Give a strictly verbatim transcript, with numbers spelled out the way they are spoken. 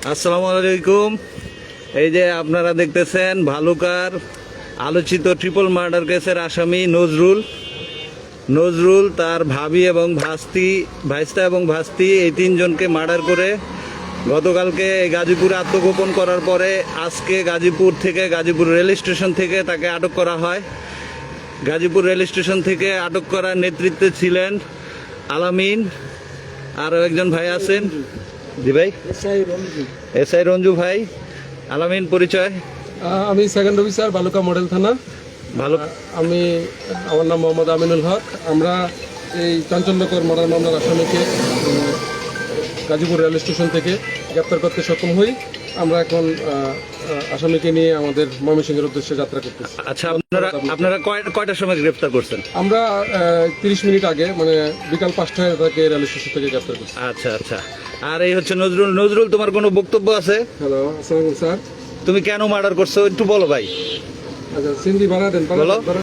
আসসালামু আলাইকুম। এই যে আপনারা দেখতেছেন ভালুকার আলোচিত ট্রিপল মার্ডার কেসের আসামি নজরুল নজরুল তার ভাবি এবং ভাস্তি ভাইস্তা এবং ভাস্তি এই তিনজনকে মার্ডার করে গতকালকে গাজীপুরে আত্মগোপন করার পরে আজকে গাজীপুর থেকে গাজীপুর রেল স্টেশন থেকে তাকে আটক করা হয়। গাজীপুর রেল স্টেশন থেকে আটক করার নেতৃত্বে ছিলেন আলামিন, আরও একজন ভাই আছেন। জি ভাই, এস আই রঞ্জু ভাই। আলামিন পরিচয়? আমি সেকেন্ড অফিসার ভালুকা মডেল থানা। ভালো। আমি আমার নাম মোহাম্মদ আমিনুল হক। আমরা এই চাঞ্চল্যকর মার্ডার মামলার আসামিকে উম, গাজীপুর রেল স্টেশন থেকে গ্রেপ্তার করতে সক্ষম হই। আমরা এখন আহ, আহ, আসামিকে নিয়ে আমাদের ময়মনসিংহের উদ্দেশ্যে যাত্রা করতেছি। আচ্ছা, আপনারা আপনারা কয়- কয়টার সময় গ্রেফতার করছেন? আমরা তিরিশ মিনিট আগে মানে বিকাল পাঁচটায় তাকে রেল স্টেশন থেকে গ্রেপ্তার করছি। আচ্ছা আচ্ছা। আর এই হচ্ছে নজরুল। নজরুল, তোমার কোনো বক্তব্য আছে? হ্যালো, আসসালাম স্যার। তুমি কেন মার্ডার করছো একটু বলো ভাই। আচ্ছা, সিন্ধি ভাড়া দেন। বলো।